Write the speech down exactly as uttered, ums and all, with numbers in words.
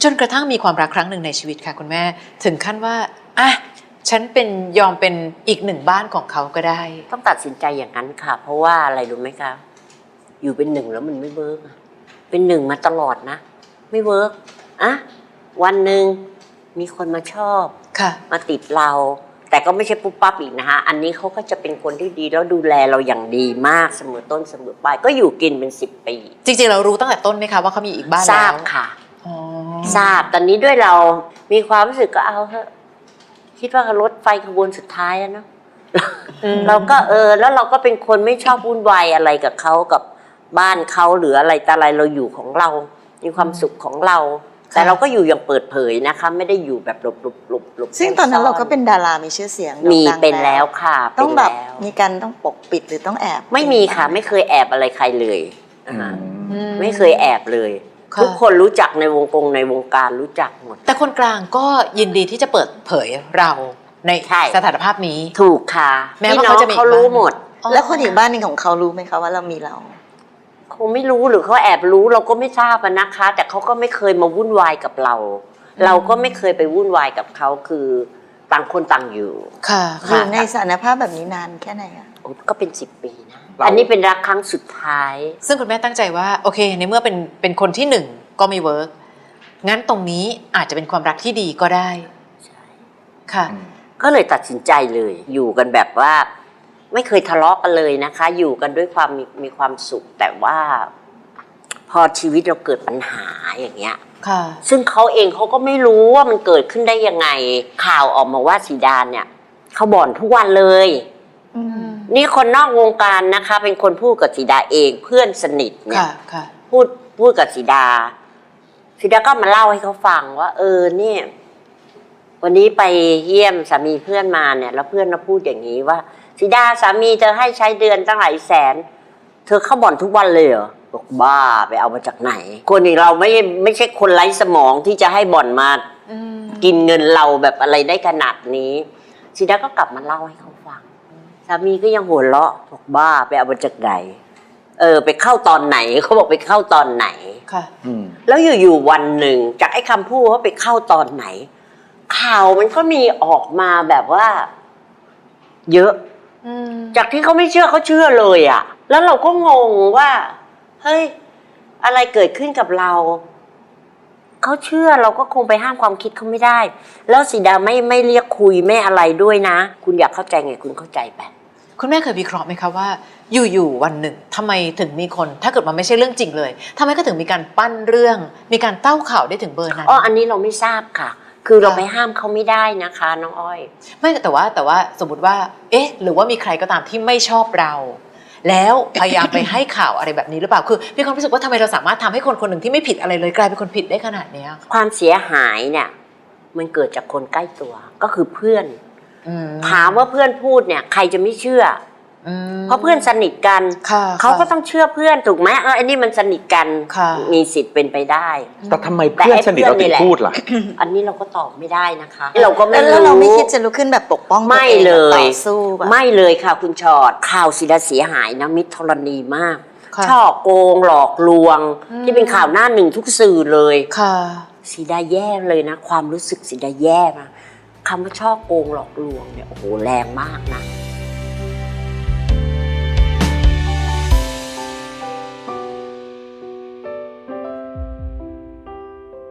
นกระทั่งมีความรักครั้งหนึ่งในชีวิตค่ะคุณแม่ถึงขั้นว่าอ่ะฉันเป็นยอมเป็นอีกหนึ่งบ้านของเขาก็ได้ต้องตัดสินใจอย่างนั้นค่ะเพราะว่าอะไรรู้ไหมคะอยู่เป็นหนึ่งแล้วมันไม่เวิร์กเป็นหนึ่งมาตลอดนะไม่เวิร์กอะวันหนึ่งมีคนมาชอบมาติดเราแต่ก็ไม่ใช่ปุ๊บปั๊บอีกนะคะอันนี้เขาก็จะเป็นคนที่ดีแล้วดูแลเราอย่างดีมากเสมอต้นเสมอปลายก็อยู่กินเป็นสิบปีจริงๆเรารู้ตั้งแต่ต้นไหมคะว่าเขามีอีกบ้านแล้วทราบค่ะทราบตอนนี้ด้วยเรามีความรู้สึกก็เอาเถอะคิดว่ารถไฟขบวนสุดท้ายแล้วเนาะเราก็เออแล้วเราก็เป็นคนไม่ชอบวุ่นวายอะไรกับเขากับบ้านเขาหรืออะไรแต่อะไรเราอยู่ของเรามีความสุขของเราแต่เราก็อยู่อย่างเปิดเผยนะคะไม่ได้อยู่แบบหลบหลบหลบหลบซึ่งตอนนั้นเราก็เป็นดารามีชื่อเสียงมีเป็นแล้วค่ะต้องแบบมีการต้องปกปิดหรือต้องแอบไม่มีค่ะไม่เคยแอบอะไรใครเลยไม่เคยแอบเลยทุกคนรู้จักในวงกงในวงการรู้จักหมดแต่คนกลางก็ยินดีที่จะเปิดเผยเราในสถานภาพนี้ถูกค่ะแม้ว่าเขาจะมีเขารู้หมดแล้วคนอีกบ้านนึงของเขารู้ไหมคะว่าเรามีเราคงไม่รู้หรือเขาแอบรู้เราก็ไม่ทราบนะคะแต่เขาก็ไม่เคยมาวุ่นวายกับเราเราก็ไม่เคยไปวุ่นวายกับเขาคือต่างคนต่างอยู่ค่ะอยู่ในสถานภาพแบบนี้นานแค่ไหนอะก็เป็นสิบปีนะอันนี้เป็นรักครั้งสุดท้ายซึ่งคุณแม่ตั้งใจว่าโอเคในเมื่อเป็นเป็นคนที่หนึ่งก็ไม่เวิร์กงั้นตรงนี้อาจจะเป็นความรักที่ดีก็ได้ใช่ค่ะก็เลยตัดสินใจเลยอยู่กันแบบว่าไม่เคยทะเลาะกันเลยนะคะอยู่กันด้วยความมีมีความสุขแต่ว่าพอชีวิตเราเกิดปัญหาอย่างเงี้ยค่ะซึ่งเขาเองเขาก็ไม่รู้ว่ามันเกิดขึ้นได้ยังไงข่าวออกมาว่าสีดาเนี่ยเขาบ่นทุกวันเลยนี่คนนอกวงการนะคะเป็นคนพูดกับสีดาเองเพื่อนสนิทเนี่ยพูดพูดกับสีดาสีดาก็มาเล่าให้เขาฟังว่าเออเนี่ยวันนี้ไปเยี่ยมสามีเพื่อนมาเนี่ยแล้วเพื่อนมาพูดอย่างนี้ว่าสีดาสามีเธอให้ใช้เดือนตั้งหลายแสนเธอเข้าบ่อนทุกวันเลยเหรอบอกบ้าไปเอามาจากไหนคนอย่างเราไม่ไม่ใช่คนไร้สมองที่จะให้บ่อนมากินเงินเราแบบอะไรได้ขนาดนี้สีดาก็กลับมาเล่าให้เขาฟังสามีก็ยังหัวเราะบอกบ้าไปเอามาจากไหนเออไปเข้าตอนไหนเขาบอกไปเข้าตอนไหนค่ะแล้วอยู่ๆวันหนึ่งจากไอ้คำพูดว่าไปเข้าตอนไหนข่าวมันก็มีออกมาแบบว่าเยอะจากที่เขาไม่เชื่อเขาเชื่อเลยอ่ะแล้วเราก็งงว่าเฮ้ยอะไรเกิดขึ้นกับเราเขาเชื่อเราก็คงไปห้ามความคิดเขาไม่ได้แล้วสีดาไม่ไม่เรียกคุยไม่อะไรด้วยนะคุณอยากเข้าใจไงคุณเข้าใจไปคุณแม่เคยวิเคราะห์ไหมคะว่าอยู่ๆวันหนึ่งทำไมถึงมีคนถ้าเกิดมันไม่ใช่เรื่องจริงเลยทำไมก็ถึงมีการปั้นเรื่องมีการเต้าข่าวได้ถึงเบอร์นั้นอ๋ออันนี้เราไม่ทราบค่ะคือเราไปห้ามเขาไม่ได้นะคะน้องอ้อยไม่แต่ว่าแต่ว่าสมมติว่าเอ๊ะหรือว่ามีใครก็ตามที่ไม่ชอบเราแล้วพยายามไปให้ข่าวอะไรแบบนี้หรือเปล่าคือพี่ความรู้สึกว่าทำไมเราสามารถทำให้คนคนหนึ่งที่ไม่ผิดอะไรเลยกลายเป็นคนผิดได้ขนาดนี้ความเสียหายเนี่ยมันเกิดจากคนใกล้ตัวก็คือเพื่อนถามว่าเพื่อนพูดเนี่ยใครจะไม่เชื่อเพราะเพื่อนสนิทกันเขาก็ต้องเชื่อเพื่อนถูกไหมเอออันนี้มันสนิทกันมีสิทธิ์เป็นไปได้แต่ทำไมเพื่อนสนิทเราถึงพูดล่ะอันนี้เราก็ตอบไม่ได้นะคะเราก็ไม่รู้แล้วเราไม่คิดจะลุกขึ้นแบบปกป้องไม่เลยต่อสู้ไม่เลยค่ะคุณชอดข่าวสีดาเสียหายนะมิตรธรณีมากช่อโกงหลอกลวงที่เป็นข่าวหน้าหนึ่งทุกสื่อเลยสีดาแย่เลยนะความรู้สึกสีดาแย่มากคำว่าช่อโกงหลอกลวงเนี่ยโอ้โหแรงมากนะ